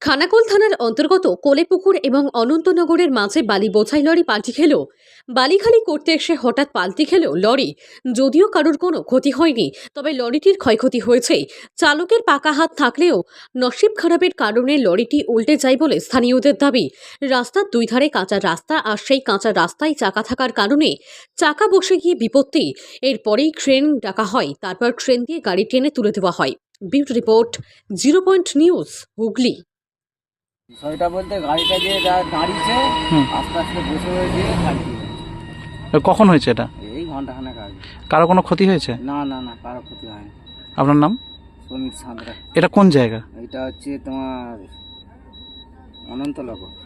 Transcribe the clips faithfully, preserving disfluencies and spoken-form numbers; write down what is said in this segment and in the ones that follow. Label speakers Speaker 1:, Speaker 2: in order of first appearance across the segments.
Speaker 1: খানাকুল থানার অন্তর্গত কোলেপুকুর এবং অনন্তনগরের মাঝে বালি বোঝাই লরি পাল্টি খেল। বালিখালি করতে এসে হঠাৎ পাল্টি খেল লরি। যদিও কারোর কোনো ক্ষতি হয়নি, তবে লরিটির ক্ষয়ক্ষতি হয়েছে। চালকের পাকা হাত থাকলেও নসিব খারাপের কারণে লরিটি উল্টে যায় বলে স্থানীয়দের দাবি। রাস্তার দুই ধারে কাঁচা রাস্তা, আর সেই কাঁচা রাস্তায় চাকা থাকার কারণে চাকা বসে গিয়ে বিপত্তি। এরপরেই ক্রেন ডাকা হয়, তারপর ক্রেন দিয়ে গাড়ি টেনে তুলে দেওয়া হয়। Beauty report, zero point news, Hooghly.
Speaker 2: বিষয়টা বলতে গাড়িটা যে যা দাঁড়িয়েছে আস্তে আস্তে বসে হয়ে গিয়ে খালি
Speaker 3: কখন হয়েছে এটা?
Speaker 2: এই ঘন্টাখানেক আগে।
Speaker 3: কারো কোনো ক্ষতি হয়েছে?
Speaker 2: না না না কারো ক্ষতি হয়নি।
Speaker 3: আপনার নাম?
Speaker 2: সমীর সাঁতরা।
Speaker 3: এটা কোন জায়গা?
Speaker 2: এটা হচ্ছে তোমার অনন্তনগর।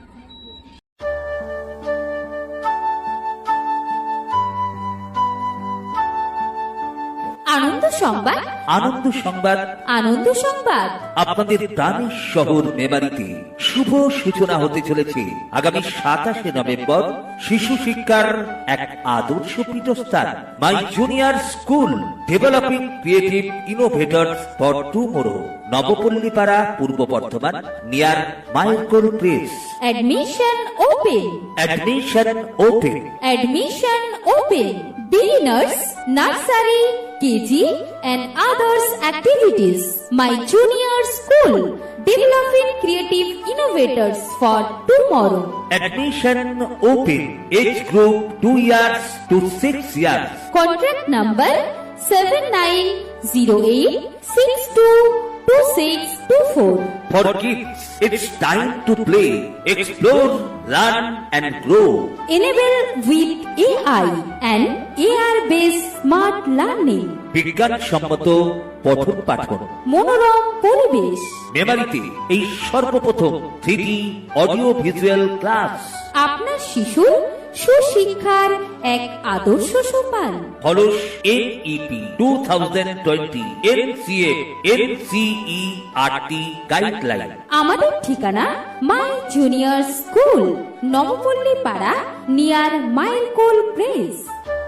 Speaker 4: আনন্দ সংবাদ,
Speaker 5: আনন্দ সংবাদ,
Speaker 4: আনন্দ সংবাদ।
Speaker 5: আপনাদের প্রাণের শহর মেমারিতে শুভ সূচনা হতে চলেছে আগামী সাতাশে নভেম্বর শিশু শিক্ষার এক আদর্শ পীঠস্থান my junior school developing creative innovators for tomorrow, Nabapallipara, Purba Bardhaman, near মাইলকোল press.
Speaker 4: Admission open,
Speaker 5: admission open,
Speaker 4: admission open. Beginners, nursery, K G and others activities. My junior school, developing creative innovators for tomorrow.
Speaker 5: admission open, age group two years to six years.
Speaker 4: Contract number seven nine zero eight six two two six two four.
Speaker 5: For kids, it's time to play, explore, learn and grow.
Speaker 4: Enable with A I and A R-based smart learning.
Speaker 5: বিজ্ঞান সম্মত পঠন পাঠন,
Speaker 4: মনোরম পরিবেশ।
Speaker 5: মেমারিতে এই সর্বপ্রথম three D audio visual class.
Speaker 4: আপনার শিশু সুশিক্ষার এক আদর্শ সোপান।
Speaker 5: Follows N E P two thousand twenty N C A N C E R T guideline.
Speaker 4: আমাদের ঠিকানা মাই জুনিয়র স্কুল, নবপল্লী পাড়া, নিয়ার মাইলকোল প্রেস।